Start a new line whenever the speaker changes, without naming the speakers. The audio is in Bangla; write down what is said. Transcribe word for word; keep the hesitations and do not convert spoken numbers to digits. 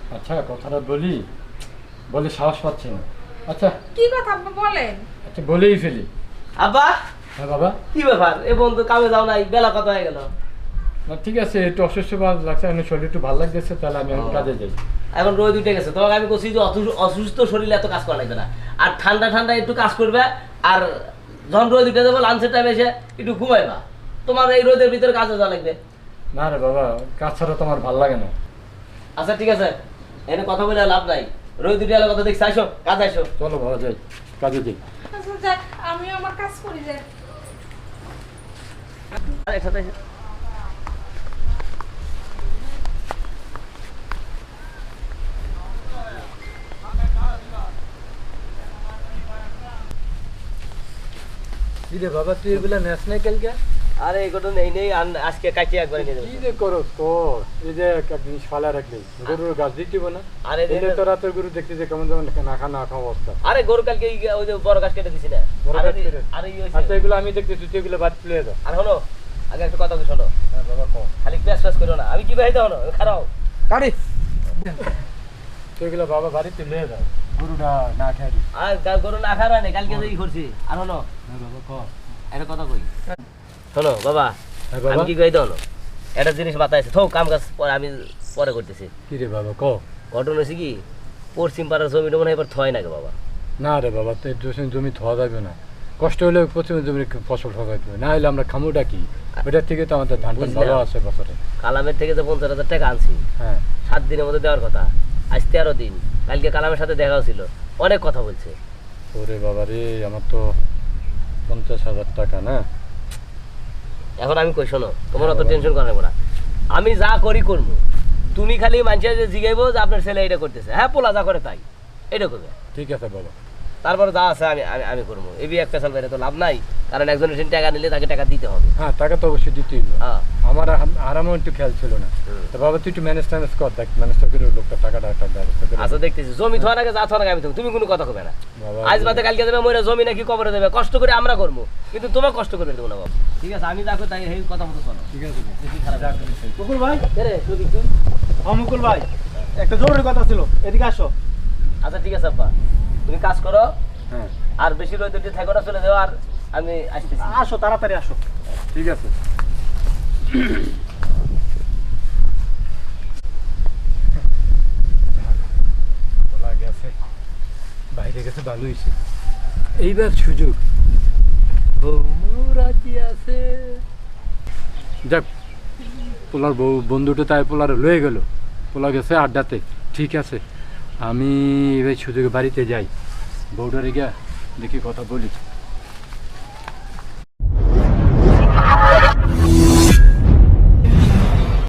আচ্ছা কথাটা বলি বলে সাহস পাচ্ছি না। আচ্ছা
কি কথা আপনি বলেন?
আচ্ছা বলেই ফেলি।
আব্বা
হ্যাঁ বাবা।
কি ব্যাপার এ বন্ধু কামে যাও নাই, বেলা কত হয়ে গেল?
না ঠিক আছে, একটু অসুস্থ লাগছে, আমি শরীর একটু ভালো লাগতেছে, তাহলে আমি এখন কাজে যাই।
এখন রোদ উঠে গেছে, তোমাকে আমি বলছি যে অসু- অসুস্থ শরীরে এত কাজ করা লাগবে না, আর ঠান্ডা ঠান্ডা একটু কাজ করবে, আর যখন রোদ উঠে যাবো লাঞ্চের টাইমে এসে একটু ঘুমাইবা। তোমার এই রোদের ভিতরে কাজে যাওয়া লাগবে।
না রে বাবা, কাজ ছাড়া তো আমার ভালো লাগে না।
আচ্ছা ঠিক আছে, এনে কথা বলে লাভ নাই, রোদ উঠে গেলে কথা দেখছি, আইসো কাজ আইসো।
চলো বাবা যাই, কাজে যাই।
আচ্ছা যাক, আমিও আমার কাজ করি যাই।
আর একসাথে আইসো।
কি রে বাবা, তুই এগুলা নেস নাই কালকে?
আরে এগুলো নেই নেই, আন- আজকে কাটিয়ে একবার নিয়ে
কি
যাবো।
যে করো তো, এই যে একটা জিনিস ফালা রাখলি, গরুর গাছ দিতে না।
আরে
এলে তো রাতের গরু দেখতে যে কেমন যেমন না খা না খা অবস্থা।
আরে গরু কালকে এই ওই যে বড় গাছ কেটে দিছি না।
বড়
আরে
গাছ কেটে?
আরে এই হইছে।
আচ্ছা এগুলো আমি দেখতেছি, তুই এগুলো বাদ ফেলে দাও।
আর হলো আগে একটা কথা কি শোনো,
হ্যাঁ বাবা কও।
খালি প্যাস প্যাস করো না, আমি কি ভাই দাও না খারাপ।
কাটি তো এগুলো বাবা বাড়িতে নিয়ে যাও, গরুটা না খাই দিস।
আর গা- গরু না খাওয়া নেই, কালকে যেই করছি। আর হলো
হ্যাঁ বাবা কও।
একটা কথা কই, শোনো বাবা,
হ্যাঁ বাবা।
আমি কি কই দাও না, একটা জিনিস মাথায় আছে, থোক কাম কাজ পরে আমি পরে করতেছি।
কি রে বাবা কও।
ঘটনা হয়েছে কি, পশ্চিম পাড়ার জমিটা মনে হয় এবার থয় নাকি বাবা।
না রে বাবা, তো এই জমি- জমি ধোয়া যাবে না, কষ্ট হলে প্রথমে জমির ফসল ঠকাইতে হবে, না হলে আমরা খামুটা কি, ওইটার থেকে তো আমাদের ধান টান
বুঝলাম।
ভালো আছে বছরে।
কালামের থেকে যে পঞ্চাশ হাজার টাকা আনছি,
হ্যাঁ
সাত দিনের মধ্যে দেওয়ার কথা, আজ তেরো দিন, কালকে কালামের সাথে দেখা ছিল, অনেক কথা বলছে।
ওরে বাবা রে, আমার তো পঞ্চাশ হাজার টাকা না।
এখন আমি কই শোনো, তোমার অত টেনশন করা লাগবে না, আমি যা করি করবো, তুমি খালি মানুষের যে জিগাইবো যে আপনার ছেলে এটা করতেছে, হ্যাঁ পোলা যা করে তাই এটা করবে,
ঠিক আছে বাবা।
তারপরে যা আছে আমি আমি আমি করবো। এবি এক পেশাল বাইরে তো লাভ নাই, কারণ একজনের সেদিন টাকা নিলে তাকে টাকা দিতে হবে।
হ্যাঁ টাকা তো অবশ্যই দিতেই হবে।
হ্যাঁ
আমার আম- আরামও একটু খেয়াল ছিল না।
হুম।
তো বাবা তুই একটু ম্যানেজ ট্যানেজ কর, দেখ ম্যানেজ করে লোকটা টাকাটা একটা ব্যবস্থা করে।
আচ্ছা দেখতেছি, জমি থোয়ার আগে যা থোয়ার আগে আমি থাকবো, তুমি কোনো কথা কবে না।
বাবা
আজ বাদে কালকে দেবে মরে, জমি নাকি কবরে দেবে, কষ্ট করে আমরা করবো, কিন্তু তোমার কষ্ট করে দেবো না বাবা। ঠিক আছে আমি দেখো তাই এই কথা মতো শোনো।
ঠিক আছে বাবা।
বেশি খারাপ
যা করিস তাই।
মুকুল ভাই,
কে রে, সুদীপ তুই?
হ্যাঁ মুকুল ভাই, একটা জরুরি কথা ছিল, এদিকে আসো।
আচ্ছা ঠিক আছে আব্বা, তুমি কাজ করো,
হ্যাঁ
আর বেশি রোদ উঠে থাকো না, চলে যাও, আর আমি আসতেছি।
আসো তাড়াতাড়ি আসো।
ঠিক আছে। বলা গেছে বাইরে গেছে, ভালো হয়েছে, এইবার সুযোগ বউ রাজি আছে। যাক, পোলার বউ বন্ধুটা তাই পোলার লয়ে গেল, পোলা গেছে আড্ডাতে, ঠিক আছে। আমি এবার সুযোগে বাড়িতে যাই, বউটারে গিয়া দেখি কথা বলি।